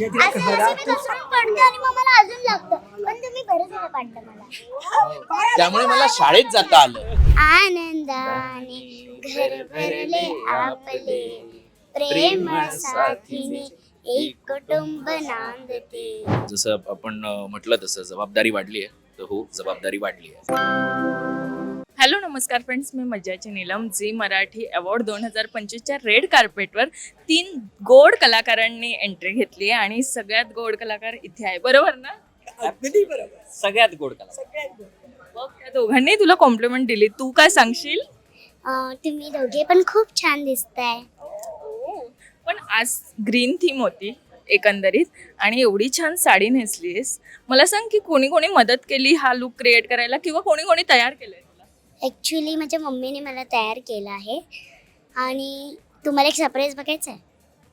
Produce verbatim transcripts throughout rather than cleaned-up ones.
म्हणजे तिला असं असं मी घरातून घसरून पडते आणि मग मला अजून लागतं. पण तुम्ही बरं झालं पाडलं मला. त्यामुळे मला शाळेत जाता आलं. आनंदाने घर भरले आपले, प्रेम साथीने एक कुटुंब नांदते. जसं आपण अं, म्हटलं तसं जबाबदारी वाढली आहे. तर हो, जबाबदारी वाढली आहे. हॅलो नमस्कार फ्रेंड्स, मी मज्जाची नीलम. झी मराठी अवॉर्ड दोन हजार पंचवीसच्या रेड कार्पेटवर तीन गोड कलाकारांनी एंट्री घेतली आहे आणि सगळ्यात गोड कलाकार इथे आहे, बरोबर ना? अगदी बरोबर. सगळ्यात गोड कला. सगळ्यात गोड. मग त्या दोघांनी तुला कॉम्प्लिमेंट दिली, तू काय सांगशील? अं, तुम्ही दोघे पण खूप छान दिसताय. पण आज ग्रीन थीम होती एकंदरीत आणि एवढी छान साडी नेसलीस. मला सांग की कोणी कोणी मदत केली हा लुक क्रिएट करायला किंवा कोणी कोणी तयार केलंय तुला? ॲक्च्युली माझ्या मम्मीने मला तयार केलं आहे आणि तुम्हाला एक सरप्राईज बघायचं आहे.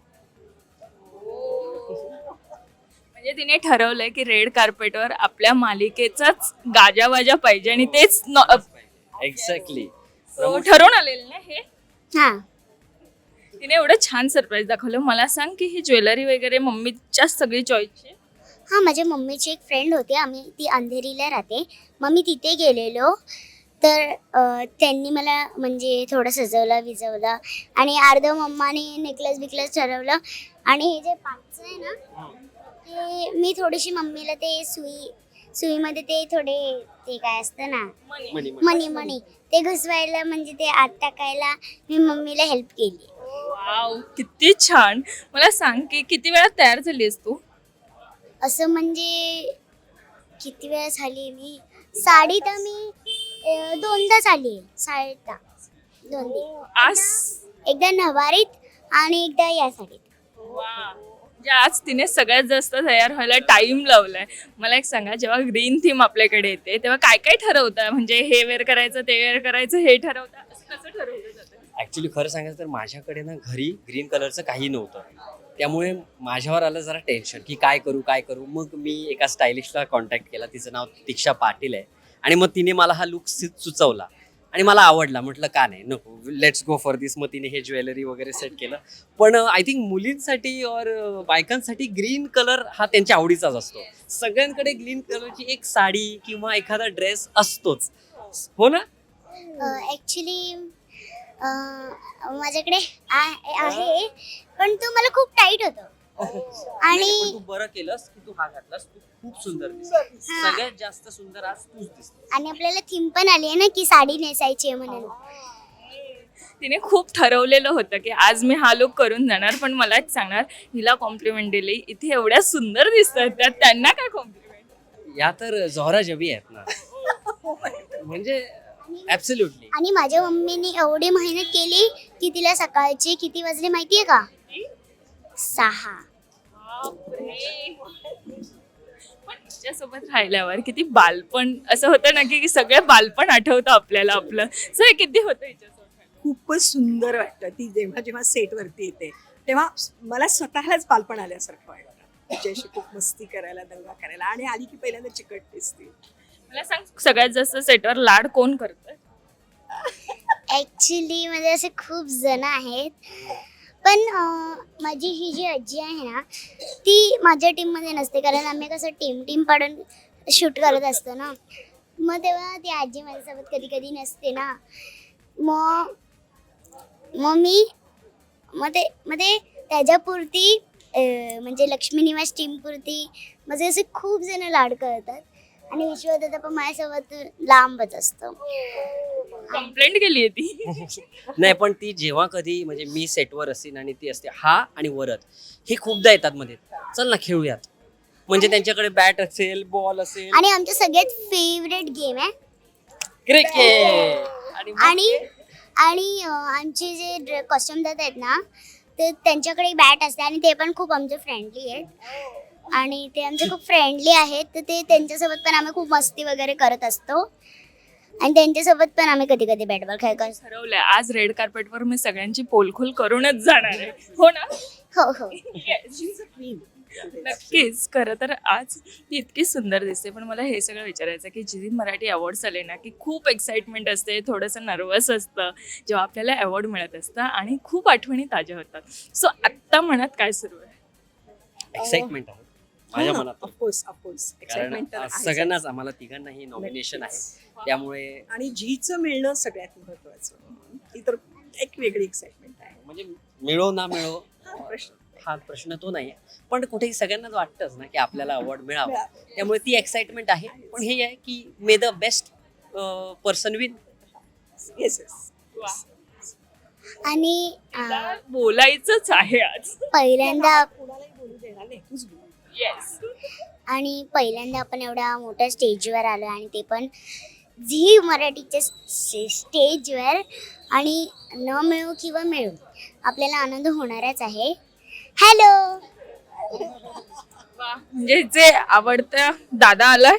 म्हणजे तिने ठरवलंय की रेड कार्पेटवर आपल्या मालिकेचाच गाजावाजा पाहिजे आणि तेच न- एक्झॅक्टली. So, ठरवून आलेलं ना हे. हां, तिने एवढं छान सरप्राईज दाखवलं. मला सांग की ही ज्वेलरी वगैरे मम्मीच्या सगळी चॉईसची? हां, माझ्या मम्मीची एक फ्रेंड होती, आम्ही ती अंधेरीला राहते. मग मी तिथे गेलेलो तर अ, त्यांनी मला म्हणजे थोडं सजवलं विजवलं आणि अर्धं मम्माने नेकलेस बिकलेस ठरवलं आणि हे जे पाचचं आहे ना ते मी थोडीशी मम्मीला ते सुई सुईमध्ये ते थोडे ते काय असतं ना मणी मणी मणी ते घुसवायला म्हणजे ते आत टाकायला मी मम्मीला हेल्प केली. वाव, किती छान. मला सांग की किती वेळात तयार झालीस तू? असं म्हणजे किती वेळा झाली मी साडी तर मी अ, दोनदा झाली आहे साडीता दोनदा. आज एकदा नवारीत आणि एकदा या साडीत. वा, म्हणजे आज तिने सगळ्यात जास्त तयार व्हायला टाइम लावलाय. मला एक सांगा, जेव्हा ग्रीन थीम आपल्याकडे येते तेव्हा काय काय ठरवतं? म्हणजे हे वेअर करायचं, ते वेअर करायचं, हे ठरवतं, असं कसं ठरवलं जातं? ऍक्च्युली खरं सांगायचं तर माझ्याकडे ना घरी ग्रीन कलरचं काही नव्हतं, त्यामुळे माझ्यावर आलं जरा टेन्शन की काय करू काय करू. मग मी एका स्टायलिस्टला कॉन्टॅक्ट केला, तिचं नाव दीक्षा पाटील आहे आणि मग तिने मला हा लुक सुचवला आणि मला आवडला. म्हटलं का नाही, नको, लेट्स गो फॉर दिस. मग तिने हे ज्वेलरी वगैरे सेट केलं. पण आय थिंक मुलींसाठी और बायकांसाठी ग्रीन कलर हा त्यांच्या आवडीचाच असतो. सगळ्यांकडे ग्रीन कलरची एक साडी किंवा एखादा ड्रेस असतोच, हो ना? ॲक्च्युली माझ्याकडे आ- आहे पण तो मला खूप टाईट होतो आणि पण तू बरं केलंस की तू हा घातलास. तू खूप सुंदर दिसते. सगळ्यात जास्त सुंदर आज तूच दिसते. आणि आपल्याला थीम पण आली आहे ना की साडी नेसायची आहे म्हणून. तिने खूप ठरवलेलं होतं की आज मी हा लुक करून जाणार. पण मला एक सांगणार, हिला कॉम्प्लिमेंट दिली, इथे एवढ्या सुंदर दिसतात त्या, त्यांना काय कॉम्प्लिमेंट? या तर जोहरा जबी आहेत ना. म्हणजे ऍब्सोल्युटली. आणि माझ्या मम्मीने एवढी मेहनत केली की तिला सकाळचे किती वाजले माहितीये का? सहा. पण तिच्यासोबत राहिल्यावर किती बालपण असं होतं ना की सगळं बालपण आठवतं आपल्याला आपलं. सो हे किती होतं हिच्यासोबत? खूपच सुंदर वाटतं ती जेव्हा जेव्हा सेटवरती येते तेव्हा मला स्वतःलाच बालपण आल्यासारखं वाटतं. तिच्याशी खूप मस्ती करायला, दंगा करायला आणि आली की पहिल्यांदा चिकट दिसते. मला सांग, सगळ्यात जास्त सेटवर लाड कोण करतं? ॲक्च्युली म्हणजे असे खूप जण आहेत पण अं, माझी ही जी आजी आहे ना ती माझ्या टीममध्ये नसते कारण आम्ही कसं टीम टीम पाडून शूट करत असतो ना. मग तेव्हा ती आजी माझ्यासोबत कधी कधी नसते ना. मग मग मी मग ते मग ते त्याच्यापुरती अं, म्हणजे लक्ष्मी निवास टीमपुरती माझे असे खूप जण लाड करतात आणि विश्वदादा पण माझ्यासोबत लांबच असतो. कंप्लेंट केली आहे ती. नाही, पण ती जेव्हा कधी म्हणजे मी सेटवर असेल आणि ती असते हा आणि वरद, हे खूपदा येतात मध्ये, चल ना खेळूयात. म्हणजे त्यांच्याकडे बॅट असेल, बॉल असेल आणि आमच्या सगळ्यात फेवरेट गेम आहे क्रिकेट. आणि मग आणि आणि अं, आमचे जे कॉस्ट्युम देत आहेत ना ते त्यांच्याकडे बॅट असते आणि ते पण खूप आमचे फ्रेंडली आहेत आणि ते आमचे खूप फ्रेंडली आहेत. तर ते त्यांच्यासोबत पण आम्ही खूप मस्ती वगैरे करत असतो आणि त्यांच्यासोबत पण आम्ही कधी कधी बॅट बॉल खेळत असतो. ठरवलंय आज रेड कार्पेटवर मी सगळ्यांची पोलखोल करूनच जाणार आहे, हो ना? हो हो. नक्कीच. खरं तर आज ती इतकी सुंदर दिसते. पण मला हे सगळं विचारायचं की जी मराठी अवॉर्ड्स आले ना की खूप एक्साइटमेंट असते, थोडंसं नर्वस असतं जेव्हा आपल्याला अवॉर्ड मिळत असतं आणि खूप आठवणी ताज्या होतात. सो आत्ता मनात काय सुरू आहे? एक्साइटमेंट आहे माझ्या मनात ऑफकोर्स ऑफकोर्स कारण एक्साइटमेंट आज सगळ्यांनाच आम्हाला तिघांनाही नॉमिनेशन आहे त्यामुळे आणि झीचं मिळणं सगळ्यात महत्वाचं ती तर एक वेगळी एक्साइटमेंट आहे. म्हणजे मिळो ना मिळो हा प्रश्न हा प्रश्न तो नाही पण कुठेही सगळ्यांनाच वाटतंच ना की आपल्याला अवॉर्ड मिळावा त्यामुळे ती एक्साइटमेंट आहे पण हे आहे की may the best person win yes yes वा. आणि तिला अं, बोलायचंच आहे आज. पहिल्यांदा कुणालाही बोलू देणार नाही तूच बोल. येस. आणि पहिल्यांदा आपण एवढ्या मोठ्या स्टेजवर आलो आणि ते पण झी मराठीच्या स्टे- स्टेजवर आणि न मिळू किंवा मिळू आपल्याला आनंद होणारच आहे. हॅलो वा. म्हणजे जे आवडतं दादा आला.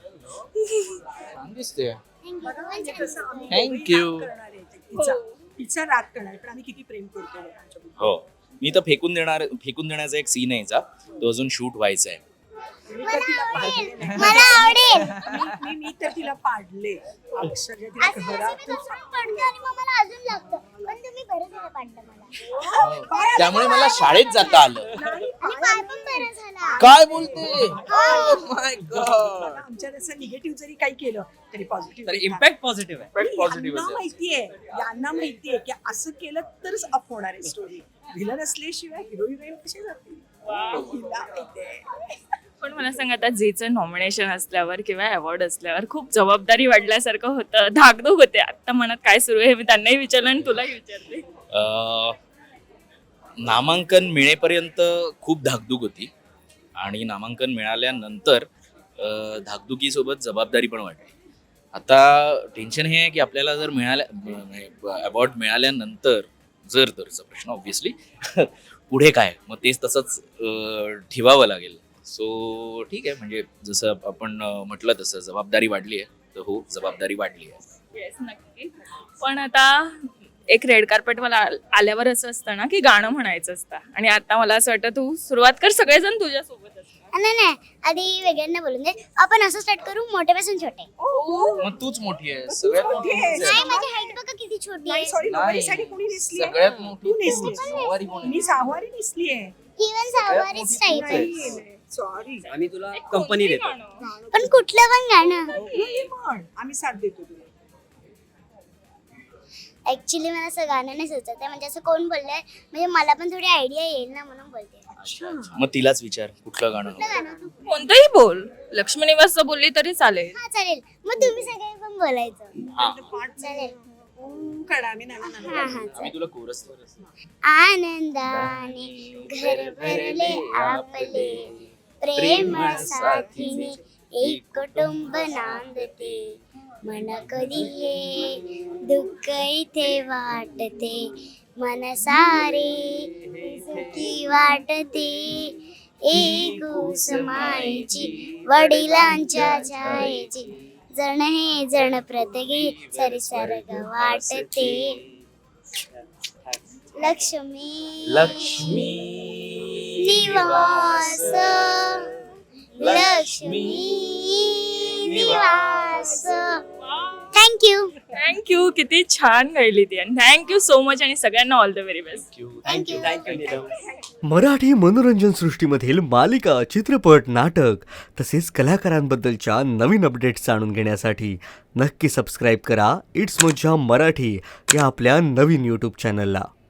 दिसते म्हणजे कसं आम्ही Thank दोघंही you. राग करणार आहे. तिचा तिचा राग करणार पण आम्ही किती प्रेम करतो आमच्या मुलीवर. हो मी तर फेकून देणार फेकून देण्याचा एक सीन आहे याचा तो अजून शूट व्हायचा आहे. मी तर तिला पाडले नाही. मला आवडेल मी- मी मी तर तिला पाडले अक्षरशः तिला असं- असं मी घरात दुसरं पडतं आणि मग मला अजून लागतं पण तुम्ही बरं झालं पाडलं मला त्यामुळे मला शाळेत जाता आलं. नाही, आणि पाय पण बरं झाला. काय बोलते Oh my God. मला आमच्यात असं निगेटिव्ह जरी काही केलं तरी पॉझिटिव्ह तर इम्पॅक्ट पॉझिटिव्ह आहे Positive यांना आहे. माहितीये यांना माहितीये की असं केलं तरच अप होणार आहे स्टोरी. व्हिलन असल्याशिवाय हिरो हिरोईन कसे जातील हिला माहितीये. पण मला सांग आता जेचं नॉमिनेशन असल्यावर किंवा अवॉर्ड असल्यावर खूप जबाबदारी वाढल्यासारखं होतं, धाकधूक होते. आता मनात काय सुरू आहे मी त्यांनाही विचारलं आणि तुलाही विचारले. अं, नामांकन मिळेपर्यंत खूप धाकधूक होती आणि नामांकन मिळाल्यानंतर अं, धाकधुकीसोबत जबाबदारी पण वाटली. आता टेन्शन हे आहे की आपल्याला जर मिळाल्या अवॉर्ड मिळाल्यानंतर जर तरचा प्रश्न ऑब्व्हियसली पुढे काय मग तेच तसंच अं, ठेवावं लागेल. सो ठीक आहे म्हणजे जसं आपण अं, म्हटलं तसं जबाबदारी वाढली आहे तर हो जबाबदारी वाढली आहे. येस नक्की. पण आता एक रेड कार्पेट मला आल- आल्यावर असं असतं ना की गाणं म्हणायचं असतं आणि आता मला असं वाटतं तू सुरुवात कर सगळेजण तुझ्यासोबत असतात. नाही नाही आधी वेगळ्यांना बोलून दे आपण असं स्टार्ट करू मोठ्यापासून छोटे. मग तूच मोठी आहे सगळ्यात मोठी मोठी आहे. तूच आहे. नाही माझी हाईट बघा किती छोटी नाही आहे. सॉरी नाही. नोकरीसाठी कोणी नेसली सगळ्यात मोठी तू नेसलीस. तूच. सहावारी कोण आहे? मी सहावारी नेसली आहे. इवन सहावारीच टाईप आहे. सॉरी आम्ही तुला कंपनी देतो गाणं. पण कुठलं पण गाणं पण आम्ही साथ देतो तुला. ऍक्च्युली मला असं गाणं नाही सुचत आहे म्हणजे असं कोण बोललंय म्हणजे मला पण थोडी आयडिया येईल ना म्हणून बोलते. मग तिलाच विचार कुठलं गाणं कुठलं हवं? गाणं? कोणतंही बोल. लक्ष्मी निवासचं बोलली तरी चालेल. हा चालेल मग तुम्ही सगळे पण बोलायचं. हा. पाठ चालेल. ओम कडा आम्ही ना ना ना हा ना. हा आम्ही तुला कोरस आनंदाने घर भरले आपले प्रेम साथीने एक कुटुंब नांदते मन कधी हे दुःख इथे वाटते मन सारे सुखी वाटते एक मायेची वडिलांच्या छायेची जण हे जण प्रत्येकी सरसर्ग वाटते लक्ष्मी लक्ष्मी निवास लक्ष्मी निवास. Thank you thank you. किती छान गायली ती आणि थँक्यू सो मच आणि सगळ्यांना all the very best. Thank you thank you Neelam. Marathi मनोरंजन सृष्टीमधील मालिका, चित्रपट, नाटक तसेच कलाकारांबद्दलच्या नवीन अपडेट्स जाणून घेण्यासाठी नक्की सबस्क्राईब करा इट्स मज्जा मराठी या आपल्या नवीन यूट्यूब चॅनलला.